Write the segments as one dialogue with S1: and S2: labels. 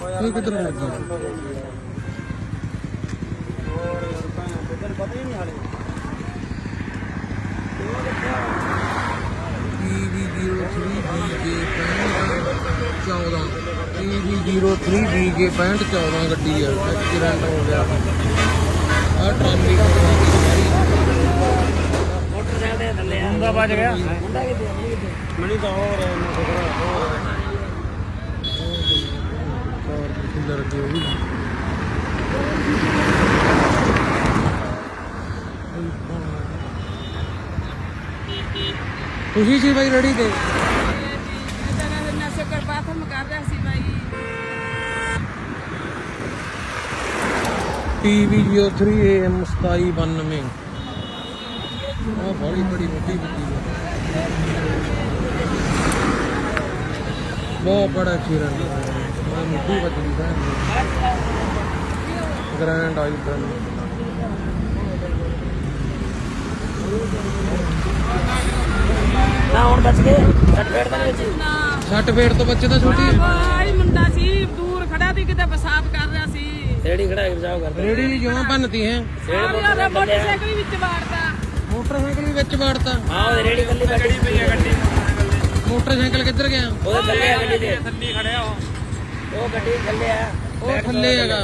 S1: ਇਹ ਕਿੱਧਰ ਲੱਗ ਗਿਆ
S2: ਪਤਾ ਹੀ ਨਹੀਂ ਹਾਲੇ
S1: PV03BJ6514 ਗੱਡੀ ਹੈ ਐਕਸੀਡੈਂਟ ਹੋ ਗਿਆ ਆ ਟਰਾਲੀ
S2: ਮੋਟਰਸਾਈਕਲ ਦੇ ਥੱਲੇ
S3: ਮੁੰਡਾ ਵੱਜ ਗਿਆ
S2: ਮੁੰਡਾ ਕਿੱਥੇ
S3: ਮੈਨੂੰ ਤਾਂ ਹੋਰ
S1: ਲੱਗੇ ਹੋਈ ਤੁਸੀਂ ਸੀ ਬਾਈ ਰੈਡੀ ਤੇ
S4: ਨਸ਼ੇ ਕਰ ਬਾਥਰੂਮ ਕਰ ਰਿਹਾ ਸੀ ਬਾਈ
S1: PV03AM2792 ਉਹ ਬੜੀ ਬੜੀ ਮੋਟੀ ਗੱਡੀ ਹੈ ਬਹੁਤ ਬੜਾ ਐਕਸੀਡੈਂਟ ਹੋਇਆ ਮੁੱਢੀ ਵੱਜਦੀ ਹੈ ਗ੍ਰੈਂਡ ਆਈ ਬ੍ਰਨ
S2: ਨਾ ਹੁਣ ਬਚ ਗਏ ਸਰਟੀਫਿਕੇਟ ਤਾਂ ਵਿੱਚ
S1: ਸੱਟ ਫੇਟ ਤੋਂ ਬੱਚੇ ਤਾਂ ਛੋਟੀ
S4: ਬਾਈ ਮੁੰਡਾ ਸੀ ਦੂਰ ਖੜਾ ਸੀ ਕਿਤੇ ਪਿਸ਼ਾਬ ਕਰ ਰਿਹਾ ਸੀ
S2: ਰੇੜੀ ਖੜਾ ਕੇ ਬਚਾਓ ਕਰਦੇ
S1: ਰੇੜੀ ਦੀ ਜਮਾਂ ਭੰਨਤੀ ਹੈ
S4: ਮੋਟਰਸਾਈਕਲ ਵੀ ਵਿੱਚ ਵਾੜਦਾ
S1: ਮੋਟਰਸਾਈਕਲ ਵੀ ਵਿੱਚ ਵਾੜਤਾ
S2: ਹਾਂ ਉਹ ਰੇੜੀ ਕੱਲੀ ਬੈਠੀ ਪਈ ਹੈ ਗੱਡੀ
S1: ਮੋਟਰਸਾਈਕਲ ਕਿੱਧਰ ਗਿਆ
S2: ਉਹਦੇ ਥੱਲੇ ਆ ਗੱਡੀ ਦੇ
S3: ਥੱਲੇ ਖੜਿਆ
S2: ਉਹ ਗੱਡੀ ਦੇ ਥੱਲੇ ਆ
S1: ਉਹ ਥੱਲੇ ਹੈਗਾ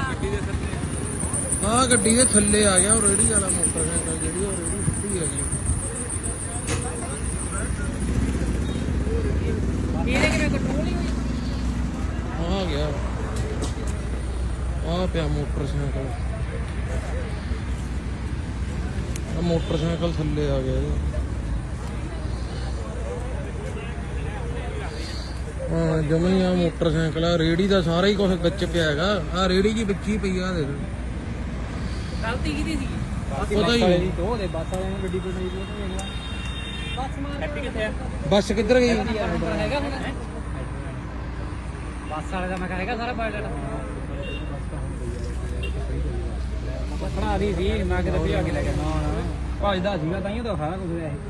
S1: ਆਹ ਗੱਡੀ ਦੇ ਥੱਲੇ ਆ ਗਿਆ ਉਹ ਰੇੜੀ ਵਾਲਾ ਮੋਟਰਸਾਈਕਲ ਜਿਹੜੀ ਉਹ ਰੇੜੀ ਸੁੱਟੀ ਹੈਗੀ
S4: ਇਹਦੇ ਕਿਵੇਂ ਕੰਟਰੋਲ ਹੀ ਹੋਈ
S1: ਆ ਗਿਆ ਆ ਪਿਆ ਮੋਟਰਸਾਈਕਲ ਆ ਮੋਟਰਸਾਈਕਲ ਥੱਲੇ ਆ ਗਿਆ ਇਹਦੇ ਹਾਂ ਜਮੀ ਆ ਮੋਟਰਸਾਈਕਲ ਆ ਰੇੜੀ ਦਾ ਸਾਰਾ ਹੀ ਕੁਝ ਵਿੱਚ ਪਿਆ ਹੈਗਾ ਆ ਰੇੜੀ ਜੀ ਵਿੱਚ ਹੀ ਪਈ ਆ ਦੇਖ
S4: ਗਲਤੀ ਕਿਹਦੀ ਸੀ
S1: ਪਤਾ ਹੀ ਨਹੀਂ
S3: ਉਹ ਦੇ ਬੱਸ ਵਾਲਿਆਂ ਨੇ ਗੱਡੀ ਬਣਾਈ ਉਹ
S4: ਬਸ ਮਾਰ
S3: ਹੈਪੀ ਕਿੱਥੇ ਆ
S1: ਬੱਸ ਕਿੱਧਰ ਗਈ
S4: ਹੈਗਾ ਹੁਣ
S3: ਬੱਸ ਵਾਲੇ ਦਾ ਮੈਂ ਕਹਾਂਗਾ ਸਾਰਾ ਬਾਇਓਡਾਟਾ ਬਣਾ ਦੀ ਸੀ ਮੈਂ ਕਿਤੇ ਭਜਾ ਕੇ ਲੈ ਕੇ ਨਾ ਭਜਦਾ ਸੀਗਾ ਤਾਂ ਹੀ ਤਾਂ ਸਾਰਾ ਕੁਝ ਹੋਇਆ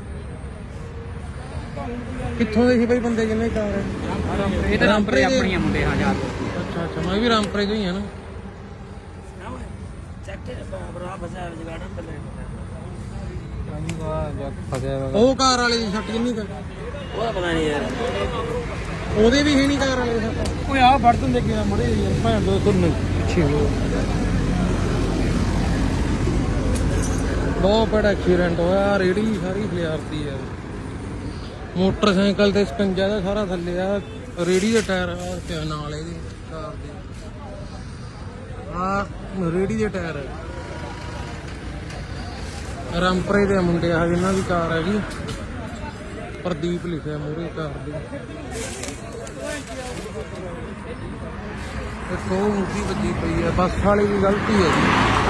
S1: ਕਿੱਥੋਂ ਦੇ ਸੀ ਬਈ ਬੰਦੇ ਜਿੰਨੇ ਕਾਰ
S3: ਇਹ ਤਾਂ ਰਾਮਪੁਰੇ ਆਪਣੀਆਂ ਮੁੰਡੇ ਹਾਂ ਯਾਰ
S1: ਅੱਛਾ ਅੱਛਾ ਮੈਂ ਵੀ ਰਾਮਪੁਰੇ ਤੋਂ ਹੀ ਆ ਨਾ
S2: ਚੱਕ ਕੇ ਬਰਾ ਫਸਿਆ ਜਗਾੜਾ ਪਹਿਲੇ
S3: ਫਸਿਆ
S1: ਉਹ ਕਾਰ ਵਾਲੇ ਦੀ ਸੱਟ ਕਿੰਨੀ ਕੁ
S2: ਉਹਦਾ ਪਤਾ ਨਹੀਂ ਯਾਰ
S1: ਉਹਦੇ ਵੀ ਹੈ ਨਹੀਂ ਕਾਰ ਵਾਲੇ ਦੀ ਸੱਟ
S3: ਓਏ ਆ ਫੜ ਦਿੰਦੇ ਕਿ ਮੜੇ ਭੈਣ ਦੋ ਤੁਰਨ ਪਿੱਛੇ ਹੋ
S1: ਬਹੁਤ ਬੜਾ ਐਕਸੀਡੈਂਟ ਹੋਇਆ ਰੇੜੀ ਸਾਰੀ ਫਲਿਆਰਤੀ ਆ ਮੋਟਰਸਾਈਕਲ ਤੇ ਸਕੰਜਾ ਦਾ ਸਾਰਾ ਥੱਲੇ ਆ ਰੇੜੀ ਦੇ ਟਾਇਰ ਆ ਪਿਆ ਨਾਲ ਇਹਦੇ ਕਾਰ ਦੇ ਆ ਰੇੜੀ ਦੇ ਟਾਇਰ ਰਾਮਪੁਰੇ ਦੇ ਮੁੰਡੇ ਆ ਜਿਨ੍ਹਾਂ ਦੀ ਕਾਰ ਹੈਗੀ ਪ੍ਰਦੀਪ ਲਿਖਿਆ ਮੂਹਰੇ ਕਾਰ ਦੀ ਇੱਕ ਉਹ ਮੁੱਢੀ ਵੱਜੀ ਪਈ ਆ ਬੱਸ ਵਾਲੇ ਦੀ ਗਲਤੀ ਹੈ ਜੀ